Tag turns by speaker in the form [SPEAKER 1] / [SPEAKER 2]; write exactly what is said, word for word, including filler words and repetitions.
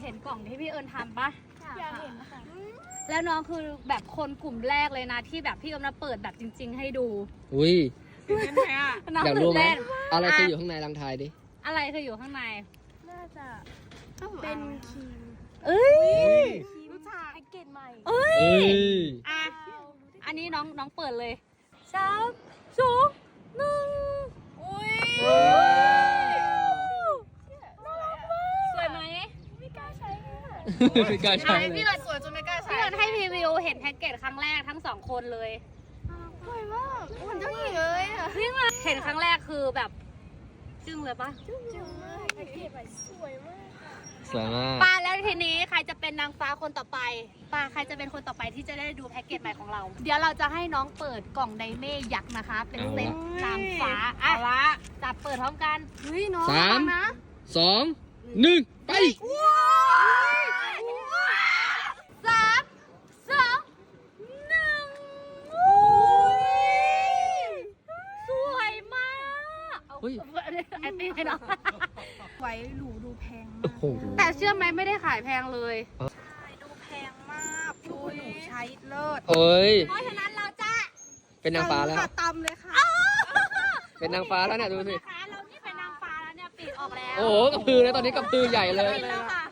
[SPEAKER 1] ห็นกล่องที่พี่เอิญทำปะ
[SPEAKER 2] อยากเห็นค่ะ
[SPEAKER 1] แล้วน้องคือแบบคนกลุ่มแรกเลยนะที่แบบพี่เอิญมาเปิดแบบจริง ๆ ให้ดู
[SPEAKER 3] อุ้ย
[SPEAKER 1] น้อง
[SPEAKER 3] อยาก
[SPEAKER 1] ตื่
[SPEAKER 3] รู้
[SPEAKER 1] น
[SPEAKER 3] ไหม
[SPEAKER 1] เต้น
[SPEAKER 3] อะไรคืออยู่ข้างในลังทายดิ
[SPEAKER 1] อะไรคืออยู่ข้างใน
[SPEAKER 2] น่าจะเป็นครีม
[SPEAKER 1] เอ้ย
[SPEAKER 2] ครีมแพ็กเกจใหม่
[SPEAKER 1] เอ้ย
[SPEAKER 3] เอ้ย
[SPEAKER 1] อ่ะอันนี้น้องน้องเปิดเลยสามสองหนึ่งอุ้ยน่ารักมากสวยไหม
[SPEAKER 2] ไม่กล้าใช้เลยค่ะ
[SPEAKER 3] ไม่กล้าใช้
[SPEAKER 1] ไหน
[SPEAKER 3] เล
[SPEAKER 1] พี่
[SPEAKER 3] ย
[SPEAKER 1] เอิญสวยจนไม่กล้าใช้พี่เอิญให้พรีวิวเห็นแพ็กเกจครั้งแรกทั้งสองคนเลย
[SPEAKER 2] สวยมากเหมือนเจ้าหญิงเลยอ่ะ
[SPEAKER 1] นี่มาเห็นครั้งแรกคือแบบจึ้งเลยปะ
[SPEAKER 2] จึ้งมากแพ็กเกจใหม่สวยมากค่ะ
[SPEAKER 3] สวยมาก
[SPEAKER 1] ป้าแล้วทีนี้ใครจะเป็นนางฟ้าคนต่อไปป้าใครจะเป็นคนต่อไปที่จะได้ดูแพ็กเกจใหม่ของเรา เดี๋ยวเราจะให้น้องเปิดกล่องไดเม่ยักษ์นะคะ เป็นเซ็ตนางฟ้าอ่ะละจับเปิดพร้อมกันเฮ้ยน้อง
[SPEAKER 3] สาม
[SPEAKER 1] นะ
[SPEAKER 3] สองหนึ่งไป
[SPEAKER 1] สามสองหนึ่งสวยมากเอา
[SPEAKER 3] เฮ้ย
[SPEAKER 1] ไอติมให้น้อง
[SPEAKER 2] ไว้หรูดูแพง
[SPEAKER 3] โอ้
[SPEAKER 2] มาก
[SPEAKER 3] โห
[SPEAKER 1] แต่เชื่อไหมไม่ได้ขายแพงเลย
[SPEAKER 2] ดูแพงมากดูหนูใช้เลิศ
[SPEAKER 3] เฮ้ย
[SPEAKER 1] เพราะฉะนั้นเราจะ
[SPEAKER 3] เป็นนางฟ้าแล้ว
[SPEAKER 2] ค่ะตำเลยค่ะ
[SPEAKER 3] เป็นนางฟ้าแล้วเนี่ยดูสิ
[SPEAKER 1] นะคะเรานี่เป็นนางฟ้าแล้วเนี่ยปีกออกแล้ว
[SPEAKER 3] โอ้โหกระพือเลยตอนนี้กระพือใหญ่เลย
[SPEAKER 1] ปีกแล้วค่ะ